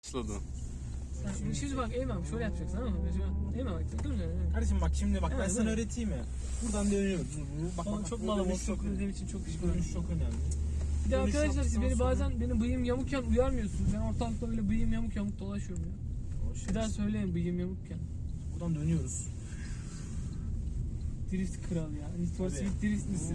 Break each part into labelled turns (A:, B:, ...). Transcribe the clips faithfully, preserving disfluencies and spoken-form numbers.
A: Başladı.
B: Şimdi, şimdi bak Eymen şöyle yapacaksın ama Eymen bak dur ya.
C: Kardeşim bak şimdi bak ben
B: Evet,
C: sana
B: evet.
C: öğreteyim ya. Buradan dönüyoruz. Bak,
B: Bana
C: bak,
B: çok
C: bak,
B: malaboş,
C: dönüş
B: çok
C: önemli.
B: ödediğim için çok
C: Dönüş
B: pişmanım.
C: çok önemli.
B: Bir de
C: Dönüş
B: arkadaşlar siz
C: yaptıktan
B: beni
C: sonra-
B: bazen benim bıyığım yamukken uyarmıyorsunuz. Ben ortalıkta böyle bıyığım yamuk yamuk dolaşıyorum ya.
C: O şey,
B: Bir daha söyleyin bıyığım yamukken.
C: buradan dönüyoruz.
B: Drift kral ya. Need for
C: Tabii.
B: Speed drift misin?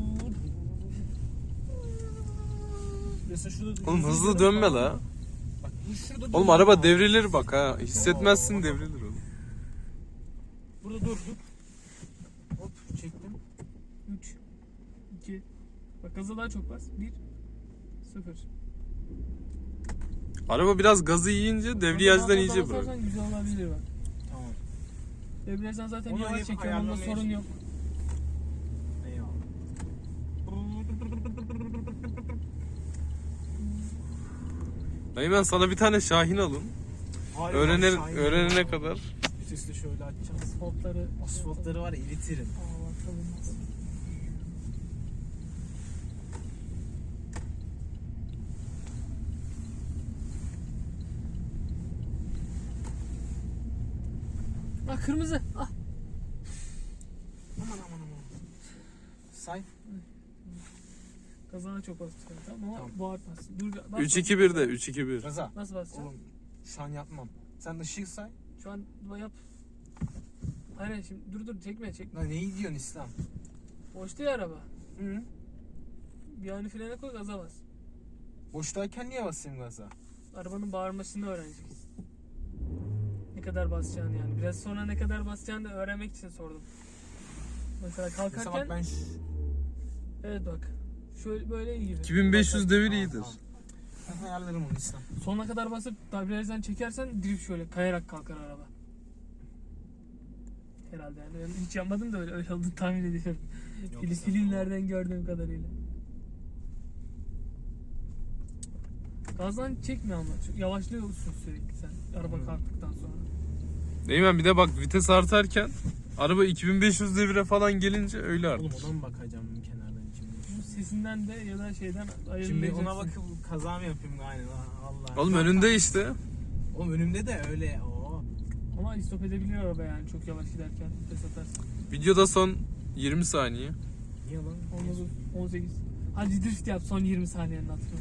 C: Mesela şurada
A: Oğlum hızlı dönme la.
C: Bak bu şurada
A: Oğlum
C: dönüyor.
A: araba devrilir bak ha. Hissetmezsin devrilir oğlum.
C: Burada durduk. Hop çektim.
B: üç, iki, bak gaza daha çok bas. bir, sıfır.
A: Araba biraz gazı yiyince devriyajdan iyice bırak.
B: Basarsan güzel olabilir bak.
C: Tamam.
B: Debriyajdan zaten
C: Onu
B: yavaş
C: hep
B: çekiyorum. Onda
C: ayarlamaya
B: sorun yok.
C: Eyvallah.
A: Dayı ben sana bir tane Şahin alın.
C: Hayır,
A: Öğrenir,
C: Şahin
A: öğrenene
C: ya.
A: kadar.
C: Vitesi şöyle açacağız.
B: Asfaltları.
C: Asfaltları var ya eritirim.
B: Aa bakalım. Ah kırmızı. Ah.
C: Aman aman aman. Say.
B: Kazana çok bastı. Tamam ama
C: Tamam.
B: bağırtmazsın. Dur bas.
A: üç iki bir de üç iki bir.
C: Gaza.
B: Nasıl basacağım?
C: Oğlum şu an yapmam. Sen ışık say.
B: Şu an yap. Hayır şimdi dur dur çekme çekme.
C: Lan neyi diyorsun İslam?
B: Boşta ya araba.
C: Hı.
B: Bir ani frene koy gaza bas.
C: Boştayken niye basayım gaza?
B: Arabanın bağırmasını öğreneceksin. Ne kadar basacağını yani. Biraz sonra ne kadar basacağını da öğrenmek için sordum. Mesela
C: Mesela
B: kalkarken
C: bak ben şu...
B: evet bak. Şöyle böyle iyi gibi.
A: iki bin beş yüz devir
C: Tamam,
A: iyidir.
C: tamam. Ben ayarlarım onu İslam.
B: Sonuna kadar basıp debriyajdan çekersen drift şöyle kayarak kalkar araba. Herhalde yani. Ben hiç yapmadım da öyle, öyle olduğunu tahmin ediyorum.
C: Yok,
B: Film,
C: yok.
B: filmlerden gördüğüm kadarıyla. Gazdan çekme ama. Çok yavaşlıyorsun sürekli sen araba
C: Hmm.
B: kalktıktan sonra.
A: Değil mi? Bir de bak vites artarken araba iki bin beş yüz devire falan gelince öyle
C: Oğlum
A: artar.
C: ona mı bakacağım kenardan içimde?
B: Bu sesinden de ya da şeyden
C: Şimdi
B: ayırmayacaksın.
C: ona bakıp kaza mı yapayım aynen Allah.
A: Oğlum önünde işte.
C: Oğlum önümde de öyle. Oo.
B: Ama istop edebilir araba yani çok yavaş giderken vites atarsın.
A: Videoda son yirmi saniye.
C: Niye lan?
B: on dokuz, on sekiz. Hadi drift yap son yirmi saniyenin hatırına.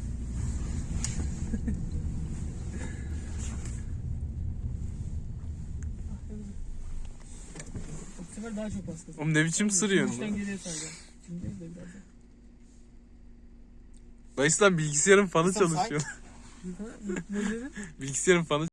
B: Bu sefer daha çok bastı.
A: Oğlum ne biçim sırıyorsun
B: Üçten
A: lan?
B: geriye saracağım. Şimdi değil de birazdan.
A: Dayı sen bilgisayarın fanı
C: Sen say.
A: çalışıyor.
B: Ha, ne dedin?
A: Bilgisayarın fanı